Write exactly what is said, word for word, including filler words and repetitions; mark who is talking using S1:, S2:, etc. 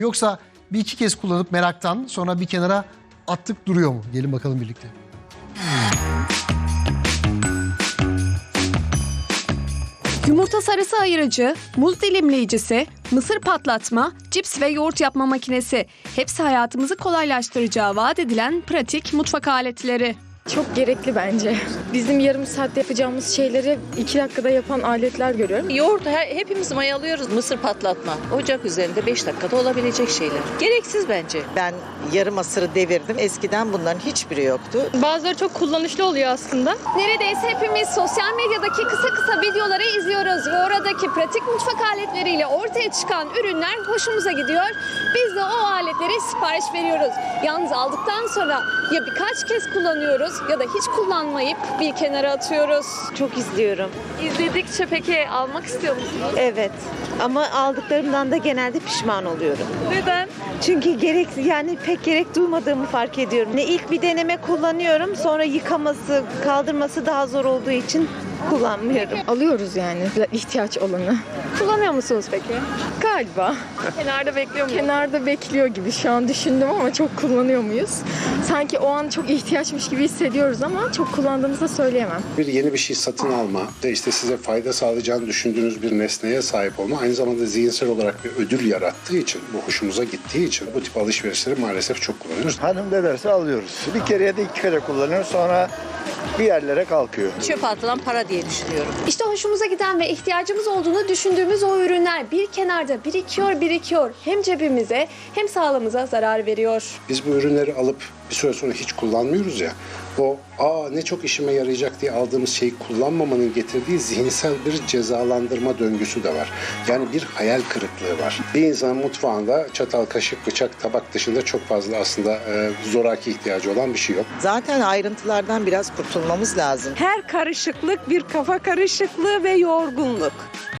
S1: Yoksa bir iki kez kullanıp meraktan sonra bir kenara attık duruyor mu? Gelin bakalım birlikte.
S2: Yumurta sarısı ayırıcı, muz dilimleyicisi, mısır patlatma, cips ve yoğurt yapma makinesi. Hepsi hayatımızı kolaylaştıracağı vaat edilen pratik mutfak aletleri.
S3: Çok gerekli bence. Bizim yarım saatte yapacağımız şeyleri iki dakikada yapan aletler görüyorum.
S4: Yoğurt he- hepimiz mayalıyoruz. Mısır patlatma. Ocak üzerinde beş dakikada olabilecek şeyler. Gereksiz bence.
S5: Ben yarım asırı devirdim. Eskiden bunların hiçbiri yoktu.
S3: Bazıları çok kullanışlı oluyor aslında.
S2: Neredeyse hepimiz sosyal medyadaki kısa kısa videoları izliyoruz ve oradaki pratik mutfak aletleriyle ortaya çıkan ürünler hoşumuza gidiyor. Biz de o aletleri sipariş veriyoruz. Yalnız aldıktan sonra ya birkaç kez kullanıyoruz ya da hiç kullanmayıp bir kenara atıyoruz.
S6: Çok izliyorum.
S2: İzledikçe peki almak istiyor musunuz?
S6: Evet. Ama aldıklarımdan da genelde pişman oluyorum.
S2: Neden?
S6: Çünkü gerek yani pek gerek duymadığımı fark ediyorum. Ne ilk bir deneme kullanıyorum, sonra yıkaması, kaldırması daha zor olduğu için kullanmıyorum.
S3: Alıyoruz yani ihtiyaç olanı.
S2: Kullanıyor musunuz peki?
S3: Galiba.
S2: Kenarda bekliyor musunuz?
S3: Kenarda bekliyor gibi şu an düşündüm ama çok kullanıyor muyuz? Sanki o an çok ihtiyaçmış gibi hissediyoruz ama çok kullandığımızı söyleyemem.
S7: Bir yeni bir şey satın alma ve işte size fayda sağlayacağını düşündüğünüz bir nesneye sahip olma aynı zamanda zihinsel olarak bir ödül yarattığı için, bu hoşumuza gittiği için bu tip alışverişleri maalesef çok kullanıyoruz.
S8: Hanım ne derse alıyoruz. Bir kere ya da iki kere kullanıyoruz, sonra bir yerlere kalkıyor.
S4: Çöpe atılan para diye düşünüyorum.
S2: İşte hoşumuza giden ve ihtiyacımız olduğunu düşündüğümüz o ürünler bir kenarda birikiyor birikiyor. Hem cebimize hem sağlığımıza zarar veriyor.
S7: Biz bu ürünleri alıp bir süre sonra hiç kullanmıyoruz ya, o aa ne çok işime yarayacak diye aldığımız şeyi kullanmamanın getirdiği zihinsel bir cezalandırma döngüsü de var. Yani bir hayal kırıklığı var. Bir insanın mutfağında çatal, kaşık, bıçak, tabak dışında çok fazla aslında e, zoraki ihtiyacı olan bir şey yok.
S5: Zaten ayrıntılardan biraz kurtulmamız lazım.
S9: Her karışıklık bir kafa karışıklığı ve yorgunluk.